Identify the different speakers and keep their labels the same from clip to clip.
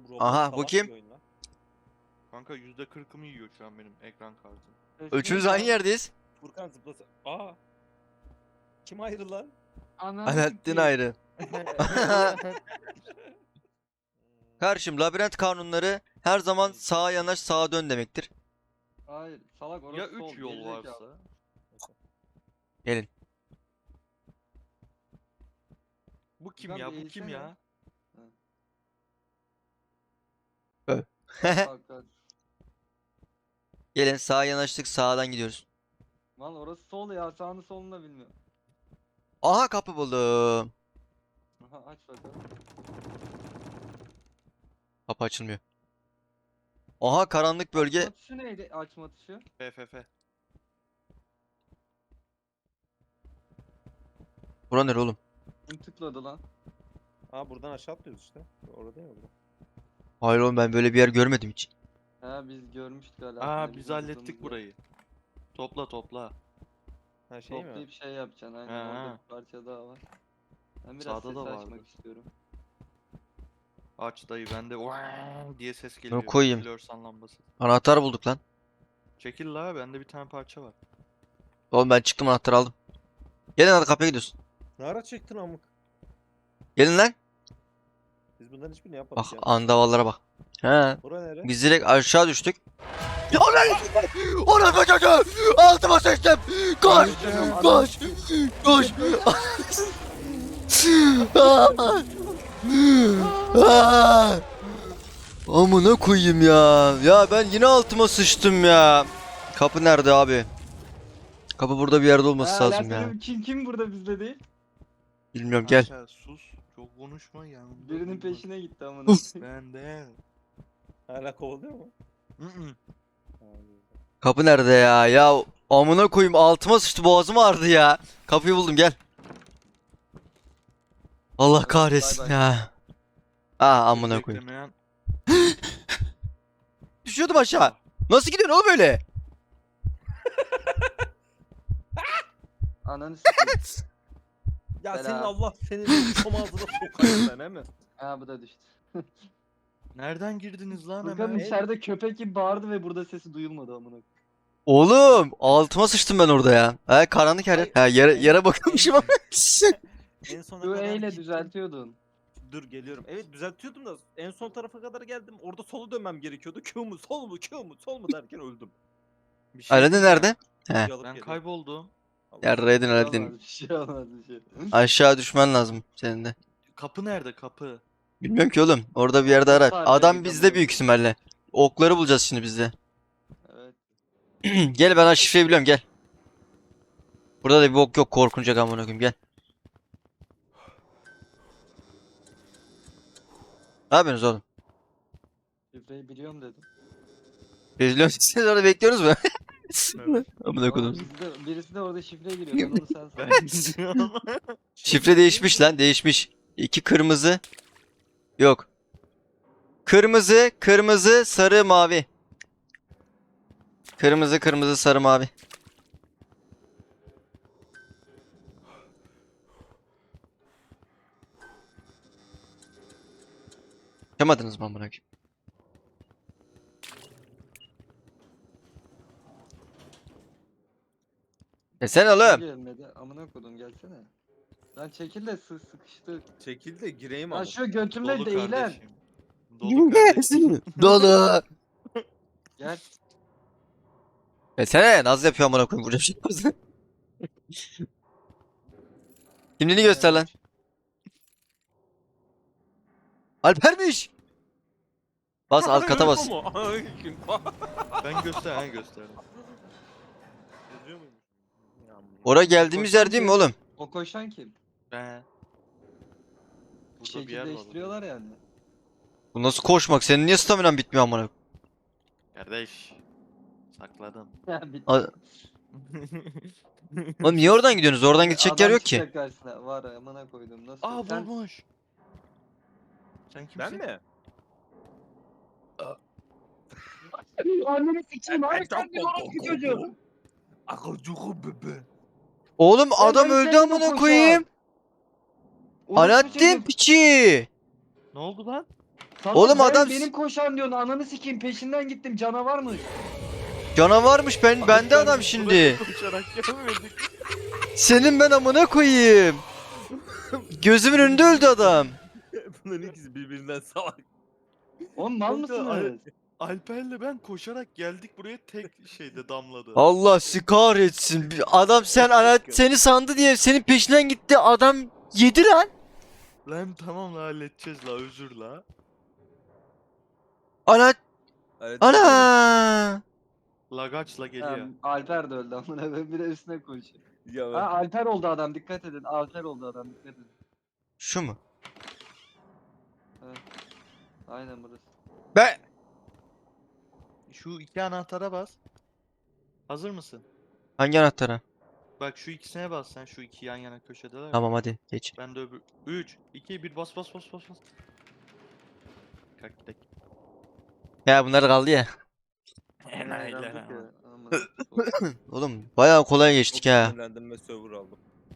Speaker 1: Roblox
Speaker 2: Aha, bu
Speaker 1: salak
Speaker 2: kim?
Speaker 1: bir oyun lan.
Speaker 3: Kanka %40'ımı yiyor şu an benim ekran kartım.
Speaker 2: Üçümüz aynı yerdeyiz.
Speaker 1: Furkan zıplasa. Aa. Kim ayrı lan?
Speaker 2: Alaaddin ayrı. Karşım, labirent kanunları her zaman sağa yanaş sağa dön demektir.
Speaker 4: Hayır salak orası
Speaker 3: Ya
Speaker 4: sol.
Speaker 3: 3 yol
Speaker 4: gerizekalı.
Speaker 3: varsa?
Speaker 2: Gelin.
Speaker 3: Bu kim
Speaker 4: Furkan
Speaker 3: ya?
Speaker 4: bir
Speaker 3: Bu kim
Speaker 4: eğilsene.
Speaker 3: ya?
Speaker 4: Bak, bak.
Speaker 2: Gelin, sağa yanaştık, sağdan gidiyoruz.
Speaker 4: Lan orası sol ya, sağını solunu da bilmiyorum.
Speaker 2: Aha, kapı buldum.
Speaker 4: Aha, aç bakalım.
Speaker 2: Kapı açılmıyor. Aha, karanlık bölge.
Speaker 4: Açma tuşu neydi? Açma tuşu.
Speaker 3: FFF.
Speaker 2: Bura nere oğlum?
Speaker 4: Kim tıkladı lan?
Speaker 1: Aa buradan aşağı atlıyoruz işte. Orada değil mi bu?
Speaker 2: Hayır oğlum, ben böyle bir yer görmedim hiç.
Speaker 4: He biz görmüştük hala.
Speaker 3: Aa biz hallettik burayı. Topla topla.
Speaker 1: Ha şey mi?
Speaker 4: Toplayıp şey yapacaksın aynen,
Speaker 3: Ha.
Speaker 4: orada bir parça daha var. Ben biraz
Speaker 3: Sağda
Speaker 4: ses
Speaker 3: da
Speaker 4: açmak
Speaker 3: vardı.
Speaker 4: istiyorum.
Speaker 3: Aç dayı bende diye ses geliyor.
Speaker 2: koyayım.
Speaker 3: Floresan lambası.
Speaker 2: Anahtar bulduk lan.
Speaker 3: Çekil la bende bir tane parça var.
Speaker 2: Oğlum ben çıktım, anahtarı aldım. Gelin hadi, kapıya gidiyoruz.
Speaker 1: Ne ara çektin amık?
Speaker 2: Gelin lan.
Speaker 1: Biz bunların hiçbirini yapmadık
Speaker 2: Bak,
Speaker 1: ya.
Speaker 2: andavallara bak. He.
Speaker 1: Bura nere?
Speaker 2: Biz direkt aşağı düştük. Orası çocuğu! Altıma sıçtım! Koş! Koş! Koş! Amına koyayım ya. Ya ben yine altıma sıçtım ya. Kapı nerede abi? Kapı burada bir yerde olması lazım ya.
Speaker 4: Kim burada bizde değil?
Speaker 2: Bilmiyorum, gel.
Speaker 3: Aşağı sus. Çok konuşma ya.
Speaker 4: Birinin peşine gitti amına.
Speaker 3: Ben de.
Speaker 1: Hala kovalıyor mu?
Speaker 3: Hı hı.
Speaker 1: Ha, güzel.
Speaker 2: Kapı nerede ya? Ya amına koyayım, altıma sıçtı, boğazım ağrıdı ya. Kapıyı buldum, gel. Allah
Speaker 4: Hadi,
Speaker 2: kahretsin
Speaker 4: bay bay.
Speaker 2: ya. Aa, amına koyayım.
Speaker 3: Beklemeyen-
Speaker 2: Düşüyordum aşağı. Nasıl gidiyorsun oğlum öyle?
Speaker 4: Ananı sikeyim.
Speaker 1: Ya
Speaker 4: Selam.
Speaker 1: senin Allah senin çom ağzına sokayım ben he mi?
Speaker 4: Ha bu da düştü.
Speaker 3: Nereden girdiniz lan
Speaker 4: Furkan
Speaker 3: hemen?
Speaker 4: içeride köpek gibi bağırdı ve burada sesi duyulmadı amına.
Speaker 2: Oğlum altıma sıçtım ben orada ya. Ha, karanlık her yer. Ha, yere bakıyormuşum ama.
Speaker 1: En sona
Speaker 4: Q
Speaker 1: kadar
Speaker 4: ile
Speaker 1: gittim.
Speaker 4: düzeltiyordun.
Speaker 1: Dur geliyorum. Evet düzeltiyordum da en son tarafa kadar geldim. Orada sola dönmem gerekiyordu. Q mu sol mu Q mu sol mu derken öldüm.
Speaker 3: Bir şey
Speaker 2: Aladin
Speaker 3: diyeceğim.
Speaker 2: nerede? He.
Speaker 1: Alıp
Speaker 3: Ben
Speaker 1: geliyorum.
Speaker 3: kayboldum.
Speaker 1: Allah
Speaker 2: Yarraydın
Speaker 4: Bir şey
Speaker 2: Aladin.
Speaker 4: olmaz, bir şey olmaz, bir şey.
Speaker 2: Aşağı düşmen lazım senin de.
Speaker 3: Kapı nerede kapı?
Speaker 2: Bilmiyorum ki oğlum. Orada bir yerde ara.
Speaker 4: Sarıya
Speaker 2: Adam
Speaker 4: git
Speaker 2: bizde
Speaker 4: amına
Speaker 2: büyük ihtimalle. Okları bulacağız şimdi bizde.
Speaker 4: Evet.
Speaker 2: Gel, ben şifreyi biliyorum, gel. Burada da bir bok yok, korkunacak amına koyayım, gel. Ne yapıyorsunuz oğlum?
Speaker 4: Şifreyi biliyorum dedim.
Speaker 2: Bekliyoruz. Siz orada bekliyoruz mu?
Speaker 3: Evet.
Speaker 2: Amına
Speaker 4: Oğlum,
Speaker 2: koydum.
Speaker 4: birisi de orada şifre giriyor. Onu sen
Speaker 3: Ben
Speaker 4: san.
Speaker 3: gidiyorum.
Speaker 2: Şifre değişmiş lan, değişmiş. 2 kırmızı. Yok. Kırmızı, kırmızı, sarı, mavi. Kırmızı, kırmızı, sarı, mavi. Yamadınız mı amına koyayım? Sen oğlum.
Speaker 4: Gelmedi. Amına kodum gelsene. Lan çekil de sıkıştı.
Speaker 1: Çekil de gireyim
Speaker 4: Lan
Speaker 1: ama.
Speaker 4: şu götümle
Speaker 3: Dolu
Speaker 4: değilen.
Speaker 3: kardeşim. Dolu kardeşim.
Speaker 2: Dolu.
Speaker 4: Gel.
Speaker 2: Sen naz yapıyor amına koyayım, vuracağım şey yaparsın. Kimliğini göster lan. Alper'miş. Bas, alt kata bas.
Speaker 3: Ben gösterdim.
Speaker 1: Yazıyor muymuş? Ya amına.
Speaker 2: Oraya geldiğimiz yer değil mi oğlum?
Speaker 4: O koşan kim?
Speaker 3: Ben.
Speaker 4: Bir
Speaker 3: Burada bir
Speaker 4: şekil
Speaker 3: yer var.
Speaker 4: değiştiriyorlar yani.
Speaker 2: Bu nasıl koşmak? Senin niye staminan bitmiyor amına koyayım?
Speaker 3: Kardeş. Sakladım.
Speaker 4: Ya bitti.
Speaker 2: A- Oğlum niye oradan gidiyorsunuz? Oradan gidecek yer
Speaker 4: Adam
Speaker 2: yok ki.
Speaker 4: çıkacak karşısına. Var amına koydum. Nasıl?
Speaker 3: Aa
Speaker 4: Sen
Speaker 3: bulmuş. Sen kimsin?
Speaker 1: Ben mi?
Speaker 4: anneni sikeyim abi sen bir orospu çocuğu.
Speaker 1: Akılcığı bebe.
Speaker 2: Oğlum
Speaker 4: Ben
Speaker 2: adam
Speaker 4: ben
Speaker 2: öldü
Speaker 4: seninle
Speaker 2: amına
Speaker 4: koşar.
Speaker 2: koyayım.
Speaker 4: Orospu
Speaker 2: Alaaddin
Speaker 4: çocuğu.
Speaker 2: piçi.
Speaker 3: Ne oldu lan?
Speaker 2: Oğlum
Speaker 4: ben
Speaker 2: adam-
Speaker 4: benim koşan diyorsun ananı sikeyim peşinden gittim canavarmış.
Speaker 2: Canavarmış bende adam şimdi.
Speaker 3: Koşarak gelmedik.
Speaker 2: Senin ben amına koyayım. Gözümün önünde öldü adam.
Speaker 1: Bunların ikisi birbirinden salak.
Speaker 4: Oğlum mal
Speaker 3: Kanka,
Speaker 4: mısınız?
Speaker 3: Alper'le ben koşarak geldik buraya tek şeyde damladı.
Speaker 2: Allah sizi kahretsin. Adam seni sandı diye senin peşinden gitti. Adam yedi lan.
Speaker 3: Lan tamam la halledeceğiz la özür la.
Speaker 2: Ana
Speaker 1: Evet,
Speaker 2: ana.
Speaker 3: Lagaçla geliyor.
Speaker 4: Alper de öldü amına koyayım bir de üstüne koşuyor.
Speaker 1: Ya
Speaker 4: Ha Alper oldu adam dikkat edin. Alper oldu adam dikkat edin.
Speaker 2: Şu mu?
Speaker 4: Aynen burası.
Speaker 2: Ben
Speaker 3: Şu iki anahtara bas. Hazır mısın?
Speaker 2: hangi anahtara?
Speaker 3: Bak şu ikisine bas sen şu iki yan yana köşedeler. ya.
Speaker 2: Tamam hadi geç.
Speaker 3: Ben de öbür 3 2 1 bas bas bas bas bas. Kalk gidelim.
Speaker 2: Ya bunlar kaldı ya.
Speaker 3: Enayiler
Speaker 4: Eğlendik
Speaker 3: ama.
Speaker 4: ya, amına.
Speaker 2: Oğlum bayağı kolay geçtik
Speaker 1: çok
Speaker 2: ha.
Speaker 1: sinirlendim ve server aldım.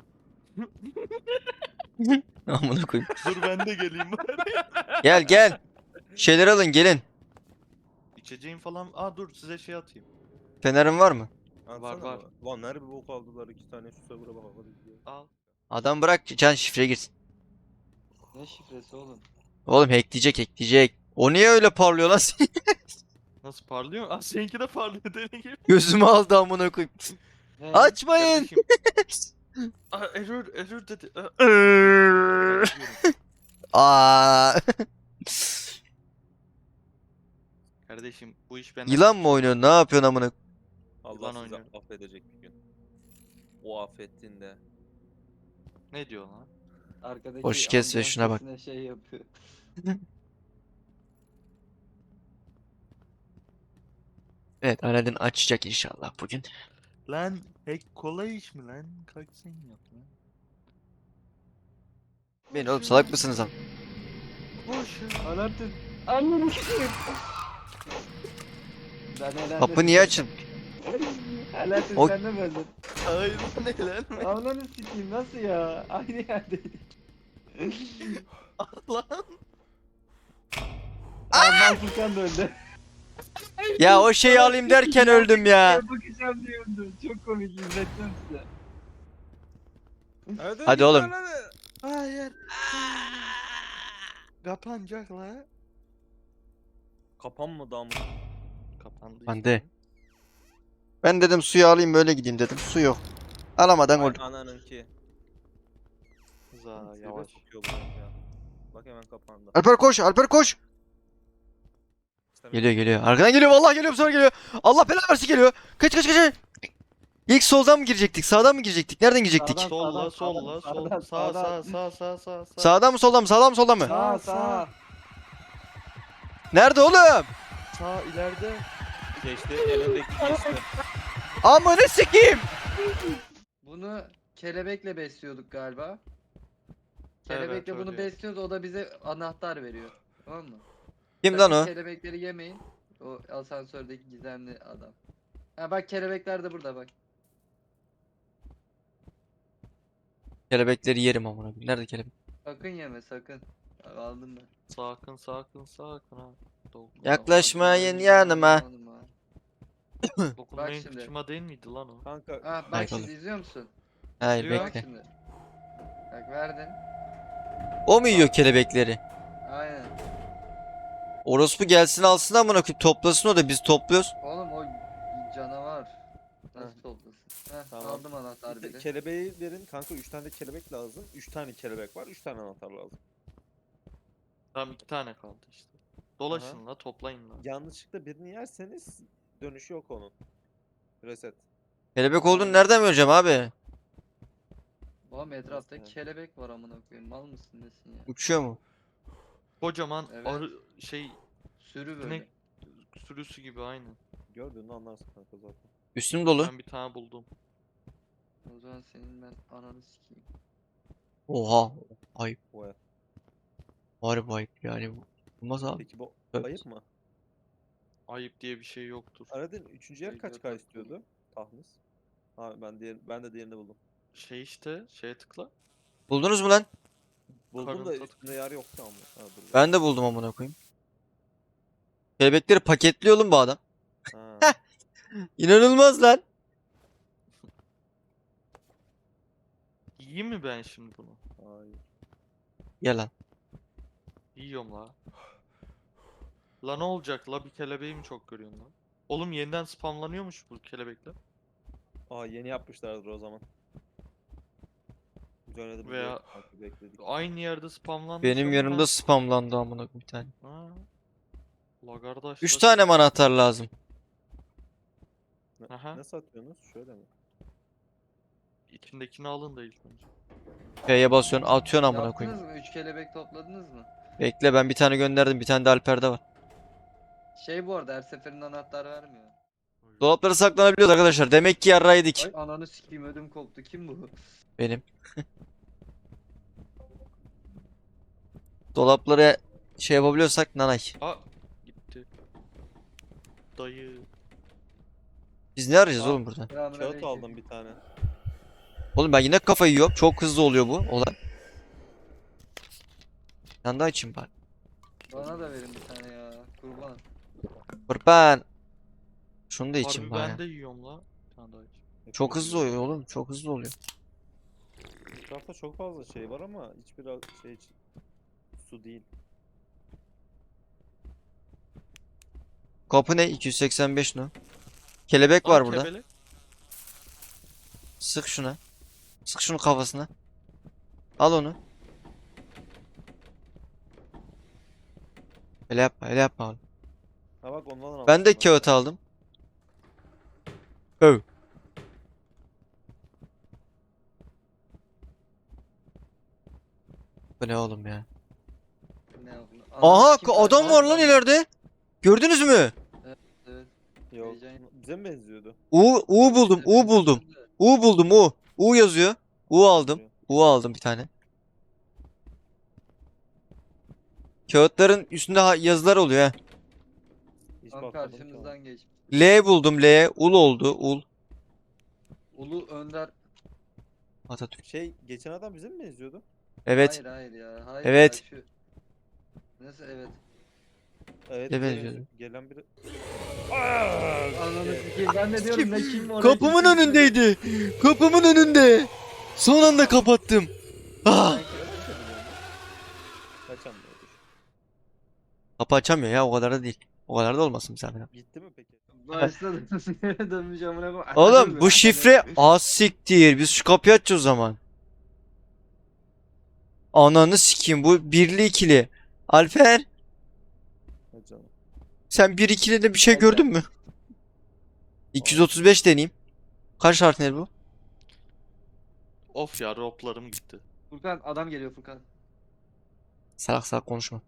Speaker 2: Amına koyayım.
Speaker 3: Dur ben de geleyim bari.
Speaker 2: Gel gel. Şeyler alın gelin.
Speaker 3: İçeceğim falan. Aa dur size şey atayım.
Speaker 2: Fenerin var mı?
Speaker 1: Atsana
Speaker 3: var.
Speaker 1: bana. Lan nerede bir bok aldılar 2 tane şu server'a bakalım diye.
Speaker 3: Al.
Speaker 2: Adam bırak can şifre girsin.
Speaker 4: Ne şifresi oğlum?
Speaker 2: Oğlum hackleyecek. O niye öyle parlıyor lan senin?
Speaker 3: Nasıl parlıyor? Aa seninki de parlıyor deli gibi.
Speaker 2: Gözümü aldı amına koyayım.
Speaker 4: Ne?
Speaker 2: Açmayın.
Speaker 3: Kardeşim. Aa error dedi. Aa.
Speaker 2: Aa.
Speaker 3: Kardeşim bu iş benden.
Speaker 2: Yılan mı oynuyorsun? Ne yapıyorsun amına?
Speaker 1: Allah
Speaker 3: Yılan
Speaker 1: sizi
Speaker 3: oynuyorum.
Speaker 1: affedecek bir gün. O affettiğinde.
Speaker 3: Ne diyor lan?
Speaker 4: Arkadaki
Speaker 2: Hoş kes ve
Speaker 4: amcam
Speaker 2: şuna bak.
Speaker 4: sesine şey yapıyor.
Speaker 2: Evet Aladdin açacak inşallah bugün.
Speaker 3: Lan hack kolay iş mi lan? Kalk sen yap lan.
Speaker 2: Beni oğlum salak mısınız lan?
Speaker 3: Boş ya.
Speaker 4: Alaaddin. Ananı sikeyim. Ben elendim.
Speaker 2: Kapı niye açın?
Speaker 4: Alaaddin
Speaker 2: O-
Speaker 4: sen de mi öldün?
Speaker 3: Hayır ne lan?
Speaker 4: Ananı sikeyim nasıl ya? Aynı yerdeydik.
Speaker 3: Lan.
Speaker 4: Aa Furkan da öldü.
Speaker 2: Ya o şeyi alayım derken öldüm ya.
Speaker 4: Bakacağım diye öldü. Çok komik izleteceğim size.
Speaker 2: Hadi oğlum.
Speaker 3: Hayır. Kapanacak la.
Speaker 1: Kapanmadı ama.
Speaker 3: Kapandı
Speaker 2: Ben
Speaker 3: işte.
Speaker 2: de. Ben dedim suyu alayım böyle gideyim dedim. Su yok. Alamadan
Speaker 1: Ay
Speaker 2: öldüm.
Speaker 1: ananınki.
Speaker 3: Za
Speaker 1: Tribe
Speaker 3: yavaş.
Speaker 1: sokuyor bu ya. Bak hemen kapandı.
Speaker 2: Alper koş, Alper koş.
Speaker 1: İşte
Speaker 2: Geliyor. Arkadan geliyor vallahi geliyor bu sefer geliyor. Allah belanı versin geliyor. Kaç. İlk soldan mı girecektik? Sağdan mı girecektik? Nereden girecektik?
Speaker 4: Sağdan.
Speaker 3: Solla solla
Speaker 4: sağdan,
Speaker 3: sol sağ
Speaker 4: sağdan.
Speaker 3: sağ.
Speaker 2: Sağdan mı soldan mı? Sağdan mı soldan mı?
Speaker 4: Sağ.
Speaker 2: Nerede oğlum?
Speaker 3: Sağ ileride.
Speaker 1: geçti. Elindeki geçti.
Speaker 2: Amına sikeyim.
Speaker 4: Bunu kelebekle besliyorduk galiba.
Speaker 3: Evet,
Speaker 4: Kelebekle bunu
Speaker 3: öyle.
Speaker 4: besliyoruz o da bize anahtar veriyor. Tamam mı?
Speaker 2: Kim
Speaker 4: Sakın
Speaker 2: lan o?
Speaker 4: Kelebekleri yemeyin. O asansördeki gizemli adam. Ha bak kelebekler de burada bak.
Speaker 2: Kelebekleri yerim amına koyayım. Nerede kelebek?
Speaker 4: Sakın yeme sakın. Bak, aldım ben.
Speaker 3: Sakın ha.
Speaker 2: Yaklaşmayın yanıma.
Speaker 3: Dokunmayın
Speaker 4: şimdi.
Speaker 3: kıçıma değil miydi lan o?
Speaker 1: Kanka
Speaker 4: Ha bak
Speaker 2: Hayır,
Speaker 4: şimdi
Speaker 2: oğlum.
Speaker 4: izliyor musun?
Speaker 2: Hayır
Speaker 3: Diyor.
Speaker 4: Bak
Speaker 2: bekle.
Speaker 4: şimdi. Bak verdin.
Speaker 2: O mu yiyor kelebekleri?
Speaker 4: Aynen.
Speaker 2: Orospu gelsin alsın amına koyayım. Toplasın o da biz topluyoruz.
Speaker 4: Oğlum o canavar. Nasıl
Speaker 3: Heh.
Speaker 4: toplasın? Heh,
Speaker 1: Tamam.
Speaker 4: aldım anahtar bile.
Speaker 1: kelebeği verin kanka 3 tane de kelebek lazım. 3 tane kelebek var 3 tane anahtar lazım.
Speaker 3: Tamam 2 tane kaldı işte. Dolaşın la toplayın la.
Speaker 1: Yanlışlıkla birini yerseniz dönüşü yok onun. Reset.
Speaker 2: Kelebek olduğunu nereden göreceğim abi?
Speaker 4: Oğlum etrafta
Speaker 1: Nasıl yani?
Speaker 4: kelebek var amına koyayım. Mal mısın nesin ya?
Speaker 2: Uçuyor mu?
Speaker 3: Kocaman
Speaker 4: Evet.
Speaker 3: arı şey
Speaker 4: Sürü böyle.
Speaker 3: sinek sürüsü gibi aynı.
Speaker 1: Gördüğünü anlarsın kanka zaten.
Speaker 2: Üstüm dolu.
Speaker 3: Ben bir tane buldum.
Speaker 4: O zaman senin ben ananı sikeyim.
Speaker 2: Oha. Ayıp.
Speaker 1: Oya.
Speaker 2: Harbi ayıp yani bu. Olmaz abi.
Speaker 1: Peki bu
Speaker 2: Evet.
Speaker 1: ayıp mı?
Speaker 3: Ayıp diye bir şey yoktur.
Speaker 1: Aradın 3. yer
Speaker 4: Şey
Speaker 1: kaç
Speaker 4: yok,
Speaker 1: K
Speaker 4: yok.
Speaker 1: istiyordu? Tahmis. Ha ben de diğerini buldum.
Speaker 3: Şey işte şeye tıkla.
Speaker 2: Buldunuz mu lan?
Speaker 1: Buldum da
Speaker 3: Karın tat-
Speaker 1: üstünde yer yoktu ama. Ha, dur.
Speaker 2: Ben de buldum amına koyayım. Kelebekleri paketliyor oğlum bu adam.
Speaker 1: Ha.
Speaker 2: İnanılmaz lan.
Speaker 3: Yiyeyim mi ben şimdi bunu?
Speaker 1: Hayır.
Speaker 2: Gel lan.
Speaker 3: Yiyorum la. La ne olacak la, bir kelebeği mi çok görüyorsun lan? Oğlum yeniden spamlanıyormuş bu kelebekler.
Speaker 1: Aa yeni yapmışlardır o zaman. Biz oynadık
Speaker 3: Veya-
Speaker 1: bekledik.
Speaker 3: Aynı yerde spamlanmış
Speaker 2: Benim
Speaker 3: ama
Speaker 2: yanımda spamlandı amına koyayım bir tane.
Speaker 3: Ha. La kardeş.
Speaker 2: 3
Speaker 3: la-
Speaker 2: tane mi anahtar lazım?
Speaker 3: Aha.
Speaker 1: Ne satıyorsunuz? Şöyle mi?
Speaker 3: İçindekini alın da ilk önce.
Speaker 2: F'ye basıyorsun atıyorsun amına koyayım.
Speaker 4: Yaptınız mı? 3 kelebek topladınız mı?
Speaker 2: Bekle ben bir tane gönderdim. Bir tane de Alper'de var.
Speaker 4: Şey bu arada her seferinde anahtar vermiyor.
Speaker 2: Dolaplara saklanabiliyoruz arkadaşlar. Demek ki yarraydık.
Speaker 4: Ay ananı sikeyim ödüm koptu. Kim bu?
Speaker 2: Benim. Dolaplara şey yapabiliyorsak nanay.
Speaker 3: Aa gitti. Dayı.
Speaker 2: Biz ne arayacağız
Speaker 1: Aa.
Speaker 2: oğlum burada?
Speaker 1: Kağıt
Speaker 4: Selamünaleyküm.
Speaker 1: aldım bir tane.
Speaker 2: Oğlum ben yine kafayı yiyorum. Çok hızlı oluyor bu olay. Sen daha için bari.
Speaker 4: Bana da verin bir tane ya. Kurban.
Speaker 2: Kurban. Şunu da için
Speaker 3: Harbi
Speaker 2: bari.
Speaker 3: ben de yiyorum la. Bir tane daha iç.
Speaker 2: Çok hızlı oluyor oğlum. Çok hızlı oluyor.
Speaker 1: Etrafta çok fazla şey var ama hiçbir şey için su değil.
Speaker 2: Kapı ne? 285 no. Kelebek
Speaker 3: Aa,
Speaker 2: var burada.
Speaker 3: kebele.
Speaker 2: Sık şuna. Sık şunu kafasına. Al onu. Öyle yapma, öyle yapma oğlum.
Speaker 1: Ha bak ondan aldım.
Speaker 2: Ben de kağıt aldım. Öv. Bu ne oğlum ya?
Speaker 4: Ne yapayım?
Speaker 2: Aha
Speaker 4: Ananı sikeyim,
Speaker 2: adam
Speaker 4: kardeşim.
Speaker 2: var lan ileride. Gördünüz mü?
Speaker 4: Evet.
Speaker 1: Yok.
Speaker 4: Heyecan-
Speaker 1: Bize mi benziyordu?
Speaker 2: U buldum. U buldum. U buldum. U. U yazıyor. U aldım. U aldım bir tane. Kağıtların üstünde yazılar oluyor ha.
Speaker 1: Hiç
Speaker 4: Tam
Speaker 1: bakmadım ki ona.
Speaker 4: karşımızdan geç.
Speaker 2: L buldum. L. Ul oldu. Ul.
Speaker 4: Ulu Önder.
Speaker 2: Atatürk.
Speaker 1: Şey geçen adam bize mi benziyordu?
Speaker 2: Evet.
Speaker 4: Hayır hayır ya. Hayır
Speaker 2: Evet.
Speaker 4: ya, şu... Nasıl evet.
Speaker 1: Evet.
Speaker 2: Ne
Speaker 1: bize
Speaker 2: benziyordu?
Speaker 1: benziyor. Gelen biri.
Speaker 4: Ananı sikeyim. Ben de diyorum ne kim oraya
Speaker 2: Kapımın
Speaker 4: gittim.
Speaker 2: önündeydi. Kapımın önünde. Son anda kapattım. Ah.
Speaker 1: Kaçamıyordur.
Speaker 2: Kapı açamıyor ya o kadar da değil. O kadar da olmasın bir zahmet.
Speaker 1: Gitti mi peki?
Speaker 4: Başladım. Dönmüş amına koyayım.
Speaker 2: Oğlum bu şifre az siktir. Biz şu kapıyı açacağız o zaman. Ananı sikeyim bu birli ikili. Alper
Speaker 1: Ha canım.
Speaker 2: sen bir ikili de bir şey
Speaker 4: Alper.
Speaker 2: gördün mü? 235 deneyeyim. Kaç harf ne bu?
Speaker 3: Of ya, roplarım gitti.
Speaker 4: Furkan adam geliyor Furkan.
Speaker 2: Salak salak konuşma.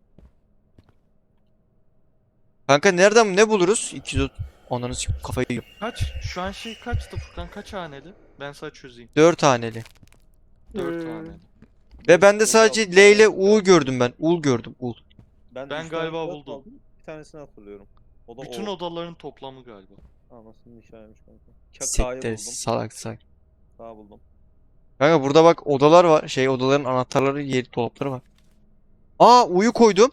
Speaker 2: Kanka nereden ne buluruz? 230. Ananı sikeyim kafayı yiyorum.
Speaker 3: Kaç? Şu an şey kaçtı Furkan? Kaç haneli? Ben sana çözeyim.
Speaker 2: 4 haneli.
Speaker 3: 4 haneli.
Speaker 2: Ve ben de sadece L ile U gördüm ben. Ul gördüm. Ul.
Speaker 3: Ben
Speaker 1: üç tane
Speaker 3: galiba
Speaker 1: kağıt
Speaker 3: buldum.
Speaker 1: aldım, bir tanesini hatırlıyorum. O da
Speaker 3: Bütün
Speaker 1: o.
Speaker 3: odaların toplamı galiba.
Speaker 1: Anasının hikayeymiş kanka. K'yı
Speaker 2: Sekte
Speaker 1: buldum.
Speaker 2: salak salak.
Speaker 1: K buldum.
Speaker 2: Kanka burada bak odalar var. Şey odaların anahtarları yeri dolapları var. Aa U'yu koydum.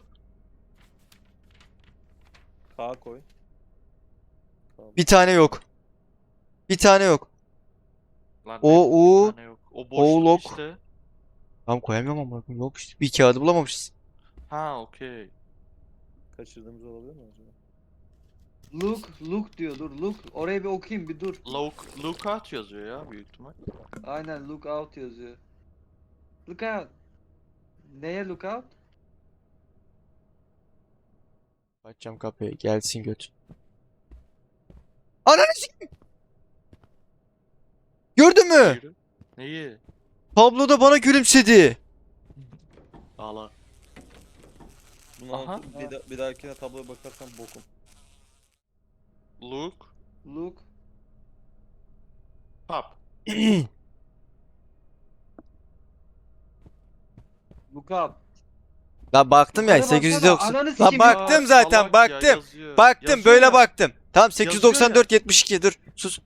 Speaker 1: K koy. K
Speaker 2: Bir tane yok. Bir tane yok.
Speaker 3: Lan
Speaker 2: O,
Speaker 3: ne, bir
Speaker 2: U,
Speaker 3: tane yok. O
Speaker 2: O,
Speaker 3: boşluk
Speaker 2: lok.
Speaker 3: işte.
Speaker 2: Tamam koyamıyorum ama yok işte. Bir kağıdı bulamamışız.
Speaker 3: Ha okey.
Speaker 1: Kaçırdığımız olabilir mi acaba?
Speaker 4: Look diyor dur look. Oraya bir okuyayım bir dur.
Speaker 3: Lookout yazıyor ya büyük ihtimal.
Speaker 4: Aynen look out yazıyor. Look out. Neye look out?
Speaker 2: Açacağım kapıyı. Gelsin göt. Ananı sikeyim. Gördün mü?
Speaker 3: Yürü. Neyi?
Speaker 2: Tabloda bana gülümsedi.
Speaker 3: Ağla.
Speaker 1: Bunu
Speaker 3: Aha.
Speaker 1: anlatıp bir dahakine tabloya bakarsan bokum.
Speaker 3: Look.
Speaker 4: Look.
Speaker 3: Pop.
Speaker 4: Look up.
Speaker 2: La baktım ya
Speaker 4: Yukarı baksana,
Speaker 2: 890.
Speaker 4: ananı
Speaker 2: La
Speaker 4: sikeyim ya.
Speaker 2: baktım zaten
Speaker 3: Salak ya,
Speaker 2: baktım.
Speaker 3: yazıyor.
Speaker 2: Baktım
Speaker 3: Yazıyor
Speaker 2: böyle
Speaker 3: ya.
Speaker 2: baktım. Tamam 894 72 dur sus.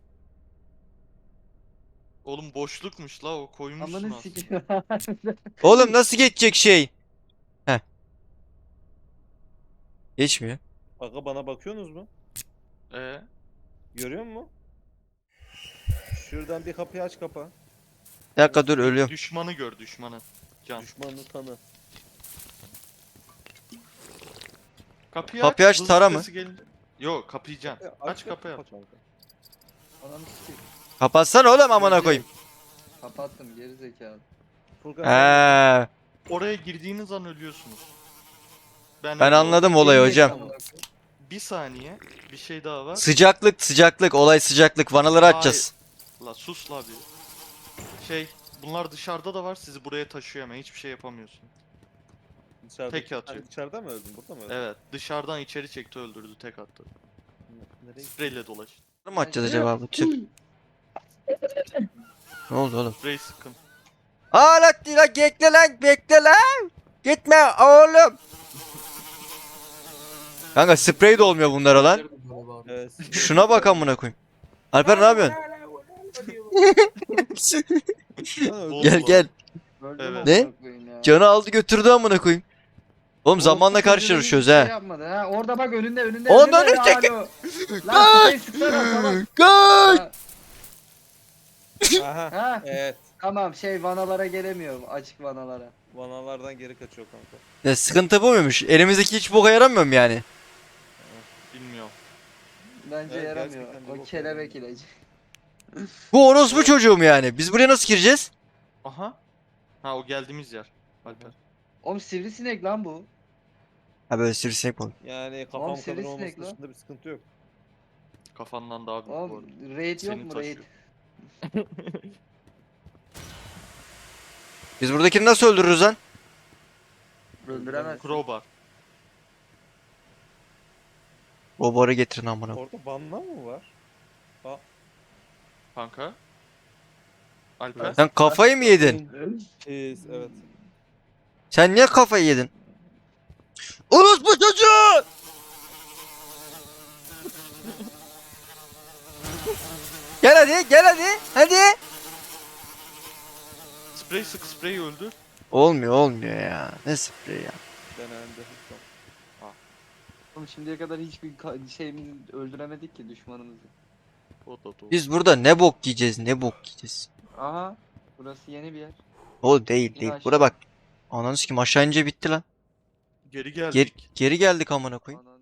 Speaker 3: Oğlum boşlukmuş la, o koymuşsun
Speaker 4: Amanı
Speaker 3: aslında.
Speaker 4: sikeyim.
Speaker 2: Oğlum nasıl geçecek şey? Geçmiyor.
Speaker 1: Aga bana bakıyorsunuz mu?
Speaker 3: Ee,
Speaker 1: Görüyor musun? Şuradan bir kapıyı aç kapa.
Speaker 2: Bir dakika dur ölüyorum.
Speaker 3: düşmanı gör düşmanı. Can.
Speaker 1: Düşmanını tanı.
Speaker 2: Kapıyı aç,
Speaker 3: hızlı
Speaker 2: tara mı?
Speaker 3: sesi gelince- Yok kapıyı can. Aç kapıyı aç.
Speaker 1: kanka.
Speaker 4: Ananı sikeyim.
Speaker 2: Kapatsana oğlum amına koyayım.
Speaker 4: Kapattım geri zekalı.
Speaker 1: Furkan sen
Speaker 2: He.
Speaker 3: Oraya girdiğiniz an ölüyorsunuz.
Speaker 2: Ben
Speaker 3: öyle
Speaker 2: anladım
Speaker 3: oldum.
Speaker 2: olayı
Speaker 4: Yemin
Speaker 2: hocam.
Speaker 4: ederim amına koyayım.
Speaker 3: Bir saniye bir şey daha var.
Speaker 2: Sıcaklık olay sıcaklık. Vanaları
Speaker 3: Hayır.
Speaker 2: açacağız.
Speaker 3: La sus la bir. Bunlar dışarıda da var sizi buraya taşıyor hemen hiçbir şey yapamıyorsun.
Speaker 1: dışarıda,
Speaker 3: tek atıyor.
Speaker 1: İçeride mi öldün? Burada mı öldün?
Speaker 3: Evet dışarıdan içeri çekti öldürdü tek attı.
Speaker 1: Nereye?
Speaker 3: Spreyle dolaş.
Speaker 2: Mı açacağız acaba bu tüp? Ne oldu oğlum?
Speaker 3: Sprey sıkın.
Speaker 2: Aa lan bekle lan. Gitme oğlum. Kanka sprey de olmuyor bunlara lan.
Speaker 1: Evet.
Speaker 2: Şuna bak amına koyayım. Alper ne yapıyorsun? Gel gel.
Speaker 4: Öldüm
Speaker 3: Evet.
Speaker 2: Ne?
Speaker 4: amına koyayım ya.
Speaker 2: Canı aldı götürdü amına koyayım. Oğlum zamanla
Speaker 4: Orospu
Speaker 2: karşı
Speaker 4: çocuğunun
Speaker 2: yarışıyoruz
Speaker 4: hiçbir
Speaker 2: ha.
Speaker 4: Şey yapmadı ha. Orada bak önünde.
Speaker 2: Onun
Speaker 4: önünde.
Speaker 2: önü çek-
Speaker 4: Alo. Lan şey sıksana salak.
Speaker 2: Kaç.
Speaker 4: Ha,
Speaker 1: Aha.
Speaker 4: ha.
Speaker 1: Evet.
Speaker 4: Tamam vanalara gelemiyor açık vanalara.
Speaker 1: Vanalardan geri kaçıyor kanka.
Speaker 2: Ya sıkıntı bu muymuş? Elimizdeki hiç boka yaramıyor mu yani?
Speaker 3: Bilmiyorum.
Speaker 4: Bence
Speaker 1: Evet,
Speaker 4: yaramıyor.
Speaker 1: gerçekten bir
Speaker 4: O
Speaker 1: bok
Speaker 4: kelebek
Speaker 1: yaramıyor.
Speaker 4: ilacı.
Speaker 2: Bu orospu çocuğu mu yani? Biz buraya nasıl gireceğiz?
Speaker 3: Aha. Ha o geldiğimiz yer. Alper.
Speaker 4: Oğlum sivrisinek lan bu.
Speaker 2: Ha böyle sivrisinek mi?
Speaker 1: Yani kafam kadar
Speaker 4: sivrisinek
Speaker 1: olması
Speaker 4: lan.
Speaker 1: dışında bir sıkıntı yok.
Speaker 3: Kafandan daha büyük bu arada.
Speaker 4: Oğlum raid yok
Speaker 3: Seni
Speaker 4: mu raid?
Speaker 3: taşıyor.
Speaker 2: Biz buradakini nasıl öldürürüz lan?
Speaker 4: Öldüremezsin.
Speaker 3: Crowbar.
Speaker 2: Robarı getirin amına.
Speaker 1: Orada banla mı var?
Speaker 3: Kanka. Alper.
Speaker 2: Sen kafayı mı yedin?
Speaker 1: Evet.
Speaker 2: Sen niye kafayı yedin? Orospu çocuğu! Gel hadi. Hadi.
Speaker 3: Sprey sık sprey öldü.
Speaker 2: Olmuyor ya. Ne sprey ya.
Speaker 1: Denendi.
Speaker 4: Oğlum şimdiye kadar hiçbir şeyimizi öldüremedik ki düşmanımızı.
Speaker 3: O da doğru.
Speaker 2: Biz burada ne bok yiyeceğiz.
Speaker 4: Aha. Burası yeni bir yer.
Speaker 2: O değil.
Speaker 4: aşağı.
Speaker 2: Bura bak. Ananı sikim aşağı ince bitti lan.
Speaker 3: Geri geldik.
Speaker 2: Geri geldik amına koyayım.
Speaker 4: Ana